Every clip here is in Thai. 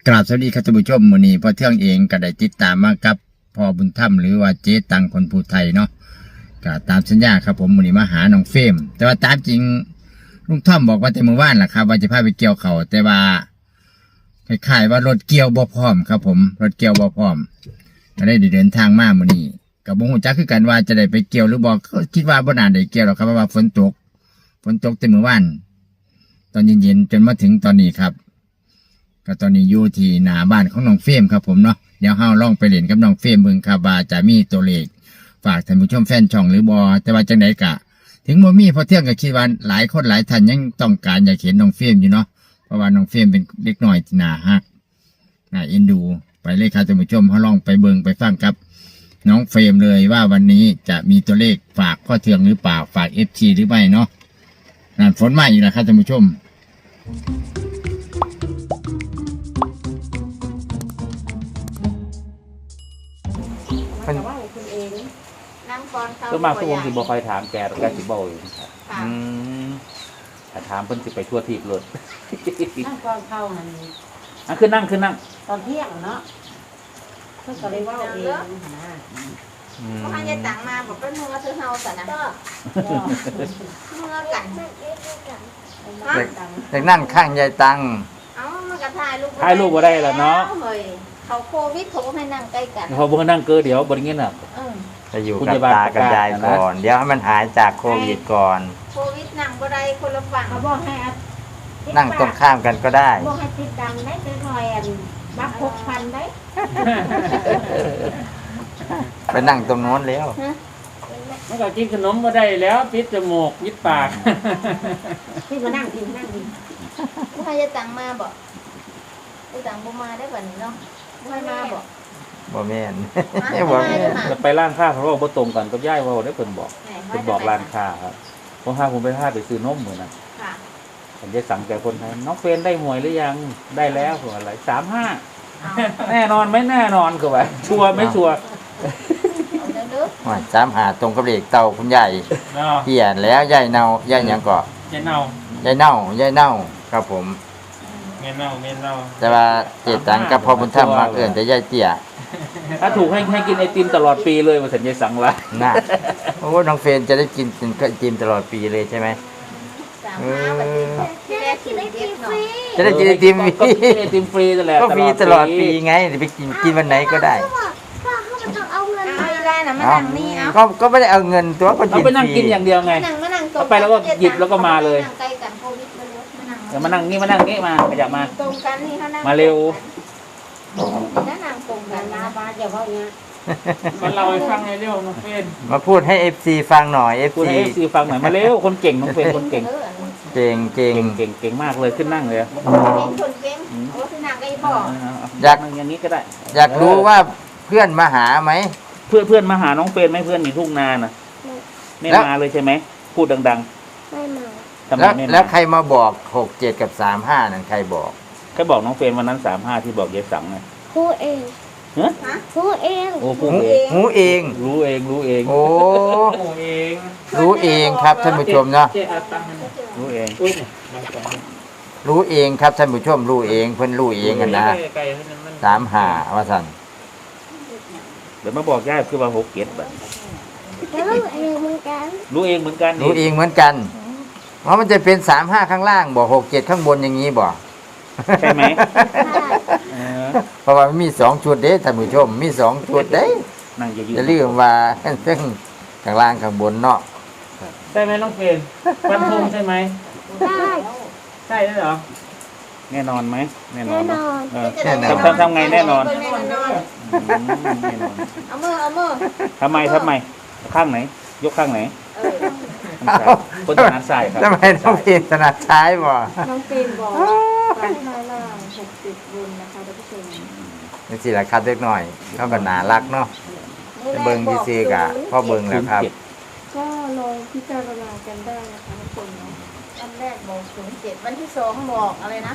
กราบสวัสดีครับท่านผู้ชมมื้อนี้พ่อเทืองเองก็ได้ติดตามมากับพ่อบุญธรรมหรือว่าเจ๊ตังคนภูไทยเนาะก็ตามสัญญาครับผมมื้อนี้มาหาน้องเฟรมแต่ว่าตามจริงลุงท่อมบอกว่าแต่เมื่อวานล่ะครับว่าจะพาไปเกี่ยวเขาแต่ว่าคล้ายๆว่ารถเกี่ยวบ่พร้อมครับผมรถเกี่ยวบ่พร้อมก็ได้เดินทางมามื้อนี้ก็บ่ฮู้จักคือกันว่าจะได้ไปเกี่ยวหรือบ่ก็คิดว่าบ่น่าได้เกี่ยวหรอกครับเพราะว่าฝนตกแต่เมื่อวานตอนเย็นๆจนมาถึงตอนนี้ครับก็ตอนนี้อยู่ที่หน้าบ้านของน้องเฟรมครับผมเนาะเดี๋ยวเฮาลองไปเล่นกับน้องเฟรมเบิ่งครับว่าจะมีตัวเลขฝากท่านผู้ชมแฟนช่องหรือบ่แต่ว่าจังไดกะถึงบ่มีพอเที่ยงก็คิดว่าหลายคนหลายท่านยังต้องการอยากเห็นน้องเฟรมอยู่เนาะเพราะว่าน้องเฟรมเป็นเด็กน้อยที่น่าฮักน่าเอ็นดูไปเลยครับท่านผู้ชมเฮาลองไปเบิ่งไปฟังกับน้องเฟรมเลยว่าวันนี้จะมีตัวเลขฝากพ่อเทืองหรือเปล่าฝาก FG หรือไม่เนาะนั่นฝนมาอีกแล้วครับท่านผู้ชมก็มาทุกวงสิบ่คอยถามแกแกสิบ่อยู่ถ้าถามเพิ่นสิไปทั่วทีบรถนั่งก่อนเข้ามันขึ้นนั่งตอนเที่ยงเนาะเพิ่นก็เลยว่าเองนะเพราะให้ยายตังมาบอกเป็นเมื่อซื้อเฮาซะนะเมื่อกันเด็กนั่งข้างยายตังเอ้ามันก็ถ่ายรูปบ่ได้แล้วเนาะเขาโควิดเขาให้นั่งใกล้กันเขาบ่นั่งเกินเดี๋ยวบ่ได้เงี้ยน่ะจะอยู่กับตากับยายก่อนเดี๋ยวให้มันหายจากโควิดก่อนโควิดนั่งบ่ได้คนละฝั่งเขาบอกให้นั่งตรงข้ามกันก็ได้บอกให้ติดดังได้จะหน่อยบัก6,000ได้ไปนั่งตรงโน้นแล้วมันก็กินขนมบ่ได้แล้วปิดจมูกปิดปากพี่มานั่งให้ยายตังมาบอกยายตังบ่มาได้บัดนี้เนาะบ่ให้มาบอกบ่แม่นจะไปร้านค้าเพราะว่าบ่ตรงกันกับยายว่าได้เพิ่นบอกร้านค้าครับผมพาผมไปซื้อนมมื้อนั้นค่ะผมจะสั่งแก่คนไทยน้องเฟรนได้หวยหรือยังได้แล้วคืออะไร35แน่นอนไม่แน่นอนคือว่าชัวร์ไม่ชัวร์ 35ตรงกับเลขเต่าคุณใหญ่เขียนแล้วยายเน่ายายหยังก็ยายเน่าครับผมเมียเน่าแต่ว่าเจตังกับพ่อบุญธรรมมาเอื่นแต่ยายเตี้ยถ้าถูกให้กินไอติมตลอดปีเลยมาสัญญาสั่งละน่ะโอ้น้องเฟรนจะได้กินไอติมตลอดปีเลยใช่ไหมจะได้กินไอติมฟรีไอติมฟรีตลอดก็ฟรีตลอดปีไงไปกินวันไหนก็ได้ก็ไม่ได้เอาเงินตัวก็กินฟรีไปนั่งกินอย่างเดียวไงไปแล้วก็หยิบแล้วก็มาเลยเดี๋ยวมานั่งนี่มาขยับมาตรงกันนี่เขานั่งมาเร็วนั่งตรงกันนะบ้านอย่าว่าอย่างนี้มันเราให้ฟังเร็วน้องเฟรนมาพูดให้ FC ฟังหน่อย FC ฟังหน่อยมาเร็วคนเก่งน้องเฟรนคนเก่งเก่งมากเลยขึ้นนั่งเลยคนเก่งโอ้ขึ้นนั่งก็ยังบอกอยากอย่างนี้ก็ได้อยากรู้ว่าเพื่อนมาหาไหมเพื่อนมาหาน้องเฟรนไหมเพื่อนอยู่ทุ่งนาน่ะไม่มาเลยใช่ไหมพูดดังๆไม่มาแล้วใครมาบอก67กับ35นั่นใครบอกใครบอกน้องเฟรนวันนั้น35ที่บอกยายสังไงพูดเองพูดเองโอ้พูดเองรู้เองโอ้รู้เองครับท่านผู้ชมเนาะรู้เองครับท่านผู้ชมรู้เองเพิ่นรู้เองกันนะ35ว่าซั่นเดี๋ยวมาบอกยายคือว่า67บาทรู้เองเหมือนกันรู้เองเหมือนกันเพราะมันจะเป็น35ข้างล่างบ่67ข้างบนอย่างนี้บ่ใช่ไหมเพราะว่ามันมี2ชุดเด้ท่านผู้ชมมี2ชุดเด้นั่งอย่าลืมว่าซึ่งข้างล่างข้างบนเนาะใช่ไหมน้องเฟรนฟันธงใช่ไหมใช่เหรอแน่นอนไหมแน่นอนทำไงแน่นอนเอามือทำไมข้างไหนยกข้างไหนคนถนัดซ้ายครับทำไมน้องเฟรนถนัดซ้ายบ่น้องเฟรนบอกไปมาล่าง60บุญนะคะท่านผู้ชมนี่สิล่ะครับเล็กน้อยเขาก็น่ารักเนาะเบิ่งซื่อๆกะพอเบิ่งแล้วครับก็ลองพิจารณากันได้นะคะทุกคนเนาะอันแรกบอก07วันที่2บอกอะไรนะ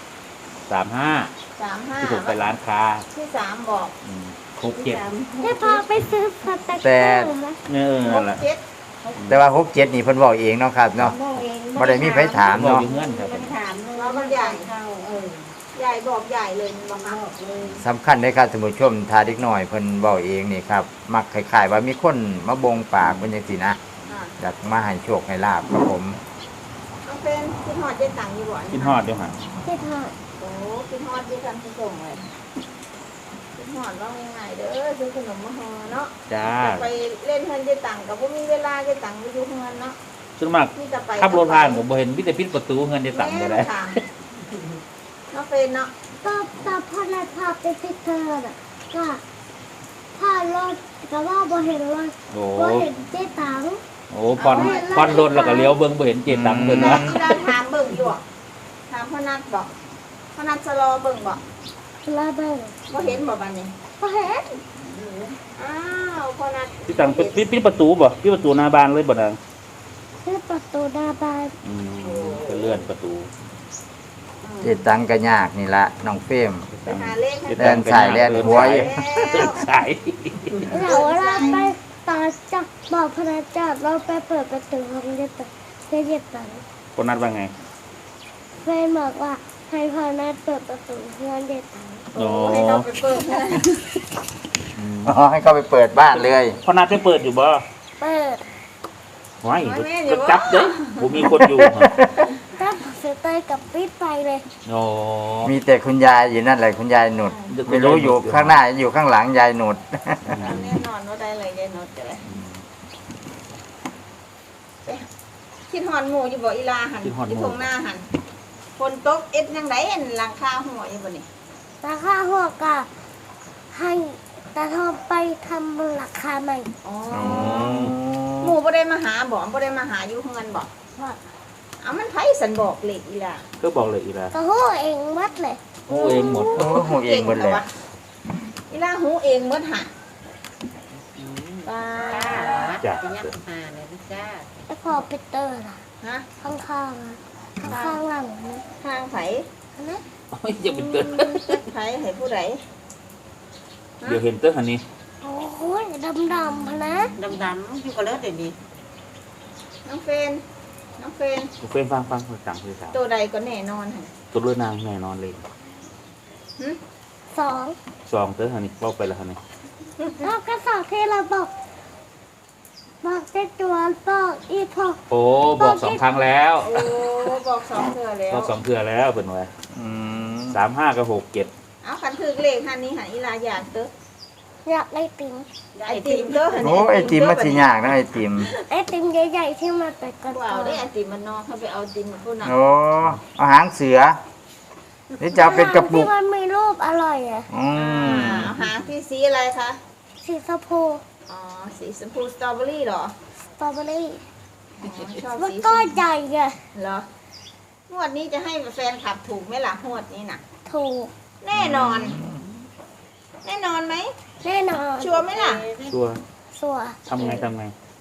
35ที่ถูกไปร้านค้าที่3บอก 67 ได้พาไปซื้อแต่นั่นแหละแต่ว่า67นี่เพิ่นบอกเองเนาะครับเนาะบ่ได้มีไผถามเนาะมันถามว่ามันใหญ่ใหญ่บอกใหญ่เลยมันบอกบอกเลยสำคัญเลยครับท่านผู้ชมทาเด็กน้อยเพิ่นเว้าเองนี่ครับมักคล้ายๆว่ามีคนมาบงปากเพิ่นจังซี่นะค่ะอยากมาให้โชคให้ลาบครับผมน้องเป็นกินฮอดเจ๊ตังอยู่บ่กินฮอดเดี๋ยวหาที่ทอดโอ้กินฮอดเจ๊ตังผู้ส่งเลยกินฮอดว่าง่ายๆเด้อซื้อขนมมาห่อเนาะจ้าจะไปเล่นเฮือนเจ๊ตังก็บ่มีเวลาเจ๊ตังไปอยู่เฮือนเนาะส่วนมากมีแต่ไปขับรถผ่านผมบ่เห็นมิแต่ปิดประตูเงินจะสั่งไปได้แม่ค่ะน้องเป็นเนาะก็พอนัดพาไปที่เธอน่ะก็พารถก็ว่าบ่เห็นรถโอ้บ่เห็นเจ๊ตังโอ้พอนรถแล้วก็เลี้ยวเบิ่งบ่เห็นเจตังเพิ่นแม่เนาะที่เราถามเบิ่งอยู่อะถามพ่อนัดบอกพ่อนัดจะรอเบิ่งบอกแล้วเบิ่งบ่เห็นบ่บัดนี้บ่เห็นอ้าวพ่อนัดที่ตังปิดประตูบ่ปิดประตูหน้าบ้านเลยบ่นางที่ประตูหน้าบ้านเป็นเลื่อนประตูเจ็ดตังก็ยากนี่ละน้องเฟรมไปหาเลขให้แล่นสายแล่นหัวอยู่เดินสายแล้วเวลาไปตอนจับบอกพนักจับเราไปเปิดประตูห้องเจ๊ตังเจ๊ตังคนนัดว่าไงเฟนบอกว่าให้พนักเปิดประตูเพื่อนเจ๊ตังโอ้ให้เราไปเปิดนะอ๋อให้เขาไปเปิดบ้านเลยพอนัดไปเปิดอยู่บ่เปิดไว้ก็จับเด้บ่มีคนอยู่ตั้งเสยเตยกับปิดไปเลยโอ้มีแต่คุณยายอยู่นั่นแหละคุณยายหนุดไม่รู้อยู่ข้างหน้าอยู่ข้างหลังยายหนุดแน่นอนว่าได้เลยยายนดจะเลยคิดฮอนหมู่อยู่บ่อีลาหันที่ทงหน้าหันคนตกเอ็ดยังไงอันหลังคาหัวอยู่บ่นี่ราคาหัวกะให้ตาทองไปทำราคาใหม่อ๋อหมู่บ่ได้มาหาบ่บ่ได้มาหาอยู่เฮือนบ่ว่าเอามันไผสันบอกเลขอีลาก็บอกเลยอีลาก็หัวเองมัดเลยโอ้เองหมดโอ้โหเองหมดเลยอีลาหูเองหมดหะป้าจ้ะแล้วพอไปเตอร์ล่ะฮะข้างๆอะข้างๆหลังนะทางไผอันนั้นโอ้ยจะเป็นเตือนไผให้ผู้ใดเดี๋ยวเห็นเตือนอันนี้โอ้ยดำๆพะนะดำๆอยู่กับเลือดเดี๋ยวนี้น้องเฟนน้องเฟนกูเฟ้นฟังสั่งคือสาวตัวใดก็แน่นอนหั่นตัวเลือนางแน่นอนเลยหึสองซองเตือนอันนี้เล่าไปแล้วอันนี้แล้วก็สองที่เราบอกเจ้าตัวบอกอีพอโอ้บอก2 ครั้งแล้วโอ้บอกสองเทื่อแล้วบอก2 เทื่อแล้วเป็นไงอืม 35กับ67 เอาคันถึกเลขหันนี้หันอีลาอยากเด้ออยากได้ติมไอติมเด้อหันโอ้ไอติมมันสิยากนะไอติมไอติมใหญ่ๆที่มันเป็นกระว้าป๋วองได้ไอติมมันนอกเขาไปเอาติมผู้นั้นโอ้เอาหางเสือนี่จะเอาเป็นกระปุกที่มันมีรูปอร่อยอะอืมเอาหางที่สีอะไรคะสีชมพูอ๋อสีชมพูสตรอเบอรี่เหรอสตรอเบอรี่อ๋อชอบมันสีก็ใหญ่อะเหรองวดนี้จะให้แฟนขับถูกไหมล่ะงวดนี้น่ะถูกแน่นอน แน่นอนไหมแน่นอนชัวร์ไหมล่ะตัวสัวทำไงท่าน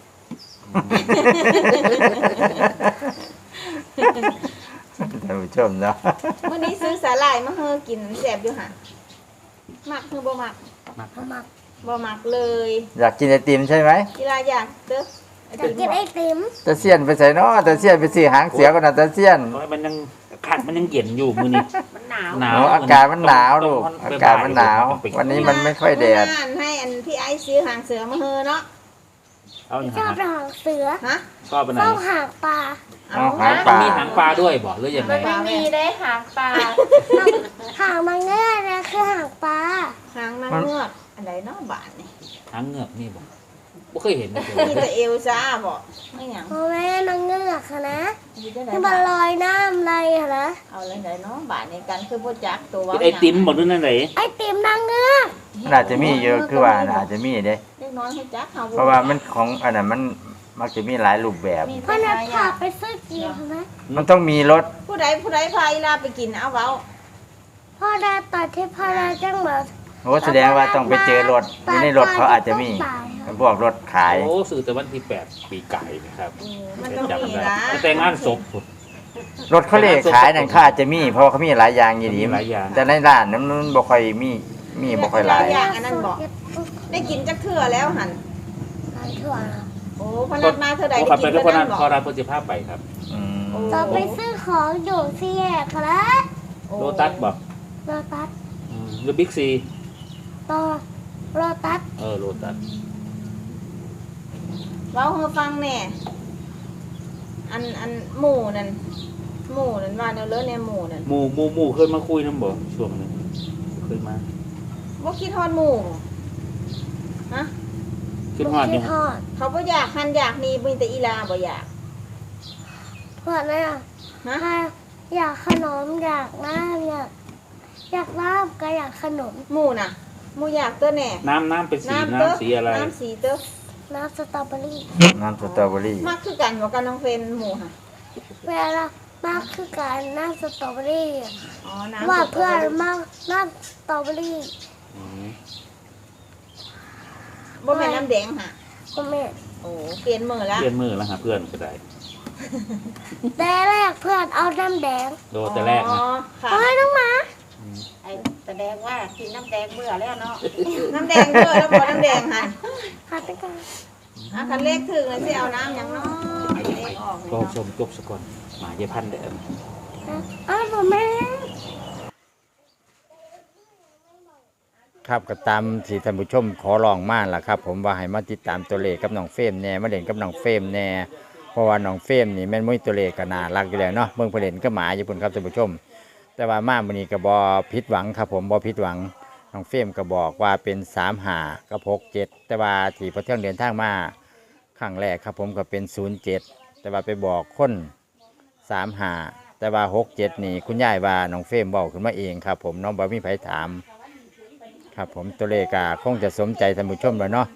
ผู้ชมเนาะวันนี้ซื้อสาหร่ายมาเฮอกินแสบอยู่ห่ะมักคือบ่มักมาบ่มักเลยอยากกินไอติมใช่ไหมเวลาอยากเด้อไอจะติมกินไอติมตะเซียนไปใส่เนาะตะเซียนไปซื้อหางเสือก่อนนะตะเซียนโอ้ยมันยังขัดมันยังเย็นอยู่มือนี้มันหนาวหนาวโอ้อากาศมันหนาวลูกอากาศมันหนาว วันนี้มันไม่ค่อยแดดเมื่อวานให้อันพี่ไอซ์ซื้อหางเสือมาเฮอเนาะเอาอย่างชอบหางหางเสือฮะชอบไปไหนชอบหางปลาเอาหางปลามีหางปลาด้วยบอกหรือยังไงปลาแม่หางมันเงือกนะคือหางปลาหางนางเงือกอะไรเนาะบาทนี่หางเงือกนี่บอกไม่เคยเห็นเลยมีแต่เอลซ่าบ่ไม่หยังเพราะแม่นางเงือกอะนะมีแต่ไหนที่มันลอยน้ำอะไรอะนะเอาเลยไหนเนาะบาทในกันคือบ่จักตัวเป็นไอติมบอกด้วยนั่นไหนไอติมนางเงือกมันอาจจะมีเยอะคือว่าอาจจะมีเด้เล็กน้อยให้จักเฮาเพราะว่ามันของอันนั้นมันมักจะมีหลายรูปแบบมีพ่อแต่นัดหาพายากไปซื้อกินนะมันต้องมีรถผู้ใดพาอีลาไปกินเอาเว้าพ่อนัดตอนที่พ่อนัดจังแบบโอ้แสดงว่าต้องไปเจอรถในรถเขาอาจจะมีพวกรถขายโอ้สื่อแต่วันที่8 ปีไก่นะครับมันต้องจำมีได้นะแต่งงานศพรถเขาเลขขายนั่นเขาอาจจะมีเพราะว่าเขามีหลายอย่างอยู่ดีมีหลายอย่างแต่ในร้านนั้นมันบ่ค่อยมีบ่ค่อยหลายอย่างอันนั้นบอกได้กินจักเทื่อแล้วหันหลายถั่วนะโอ้พนัดมาเท่าใดโอ้ได้ขับกิไปนทุกเท่าคนนั้นั้น นบอกพอเราพอจะภาพไปครับอืมจะไปซื้อของอยู่ที่แยกครับโลตัสบอกโลตัสหรือบิ๊กซีต่อโลตัสโลตัสเว้าให้ฟังแน่อันหมู่นั่นว่าแนวเลิศแนวหมู่นั่นหมู่เคยมาคุยนำบ่ช่วงนึงเคยมาบ่คิดฮอดหมู่ฮะคิดฮอดอยู่ทอดเขาบ่อยากหันอยากนี่มีแต่อีลาบ่อยากเพื่อนเลยอ่ะฮะอยากขนมอยากน้ำอยากน้ำก็อยากขนมหมู่น่ะหมู่อยากตัวแน่น้ำเป็นสีเด้อน้ำสีอะไรน้ำสีเด้อน้ำสตรอเบอรี่น้ำสตรอเบอรี่มากคือกันบ่กันน้องเฟนหมู่ค่ะเวลามากคือการน้ำสตรอเบอรี่อ๋อน้ำว่าเพื่อนมากน้ำสตรอเบอรี่อืมบ่แม่นน้ำแดงค่ะก็ไม่โอ้เปลี่ยนมือแล้วเปลี่ยนมือแล้วหาเพื่อนก็ได้แต่แรกเพื่อนเอาน้ำแดงโดนแต่แรกอ๋นะอค่ะเอ้ยน้องหมาไอ้แสดงว่ากินน้ำแดงเบื่อแล้วเนาะน้ำแดงเด้อแล้วบ่น้ำแดงค่ะหาไปกันคันเลขถึงแล้วสิเอาน้ำหยังเนาะเลขออกก็เนาะชมจบซะก่อนหมาเยพันเด้ออ้าวผมแม่ครับก็ตามที่ท่านผู้ชมขอร้องมาล่ะครับ ผมว่าให้มาติดตามตัวเลขกับน้องเฟรมแน่มาเล่นกับน้องเฟรมแน่เพราะว่าน้องเฟรมนี่แม่นมุ้ยตัวเลขก็น่ารักอยู่แล้วเนาะเบิ่งเพิ่นเล่นก็หมาอยู่พุ่นครับท่านผู้ชม แต่ว่ามามื้อนี้ก็บ่ผิดหวังครับผมบ่ผิดหวังน้องเฟรมก็บอกว่าเป็น35กับ67แต่ว่าที่พอเที่ยงเดินทางมาครั้งแรกครับผมก็เป็น07แต่ว่าไปบอกคน35แต่ว่า67นี่คุณยายว่าน้องเฟรมเว้าขึ้นมาเองครับผมน้องบ่มีไผถามครับผมตัวเลขก็คงจะสมใจท่านผู้ชมแล้วเนาะ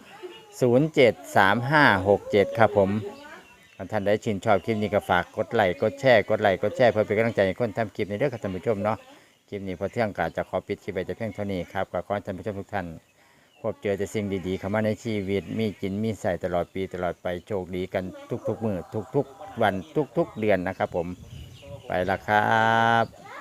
073567ครับผมท่านใดชื่นชอบคลิปนี้ก็ฝากกดไลค์กดแชร์เพื่อเป็นกำลังใจให้คนทำคลิปในเรื่องครับท่านผู้ชมเนาะคลิปนี้พอเที่ยงกาจะขอปิดคลิปไปแต่เพียงเท่านี้ครับก็ขอให้ท่านผู้ชมทุกท่านพบเจอแต่สิ่งดีๆเข้ามาในชีวิตมีกินมีใส่ตลอดปีตลอดไปโชคดีกันทุกๆมื้อทุกๆวันทุกๆเดือนนะครับผมไปละครับ